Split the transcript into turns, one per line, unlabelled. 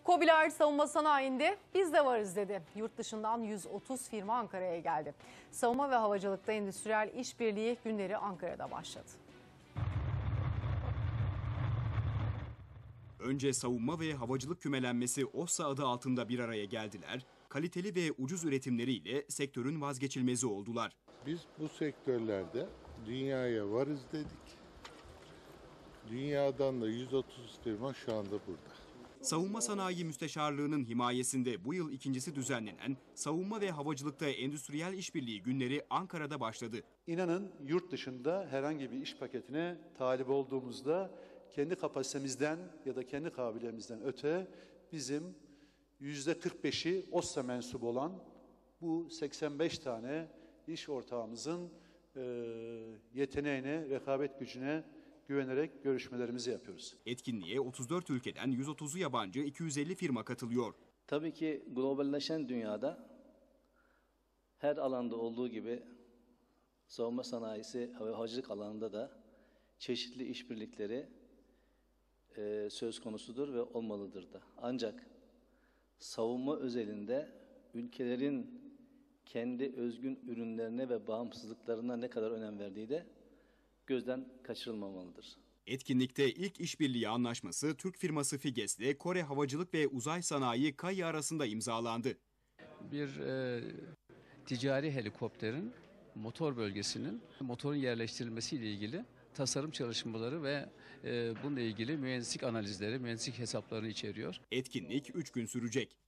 KOBİ'ler savunma sanayinde biz de varız dedi. Yurt dışından 130 firma Ankara'ya geldi. Savunma ve havacılıkta endüstriyel işbirliği günleri Ankara'da başladı.
Önce savunma ve havacılık kümelenmesi OSSA adı altında bir araya geldiler. Kaliteli ve ucuz üretimleriyle sektörün vazgeçilmezi oldular.
Biz bu sektörlerde dünyaya varız dedik. Dünyadan da 130 firma şu anda burada.
Savunma Sanayi Müsteşarlığı'nın himayesinde bu yıl ikincisi düzenlenen Savunma ve Havacılıkta Endüstriyel İşbirliği Günleri Ankara'da başladı.
İnanın yurt dışında herhangi bir iş paketine talip olduğumuzda kendi kapasitemizden ya da kendi kabiliyetimizden öte bizim %45'i OSSA mensubu olan bu 85 tane iş ortağımızın yeteneğine, rekabet gücüne güvenerek görüşmelerimizi yapıyoruz.
Etkinliğe 34 ülkeden 130'u yabancı 250 firma katılıyor.
Tabii ki globalleşen dünyada her alanda olduğu gibi savunma sanayisi ve havacılık alanında da çeşitli işbirlikleri söz konusudur ve olmalıdır da. Ancak savunma özelinde ülkelerin kendi özgün ürünlerine ve bağımsızlıklarına ne kadar önem verdiği de gözden kaçırılmamalıdır.
Etkinlikte ilk işbirliği anlaşması Türk firması Figes ile Kore Havacılık ve Uzay Sanayi KAI arasında imzalandı.
Bir ticari helikopterin motor bölgesinin motorun yerleştirilmesiyle ilgili tasarım çalışmaları ve bununla ilgili mühendislik analizleri, mühendislik hesaplarını içeriyor.
Etkinlik 3 gün sürecek.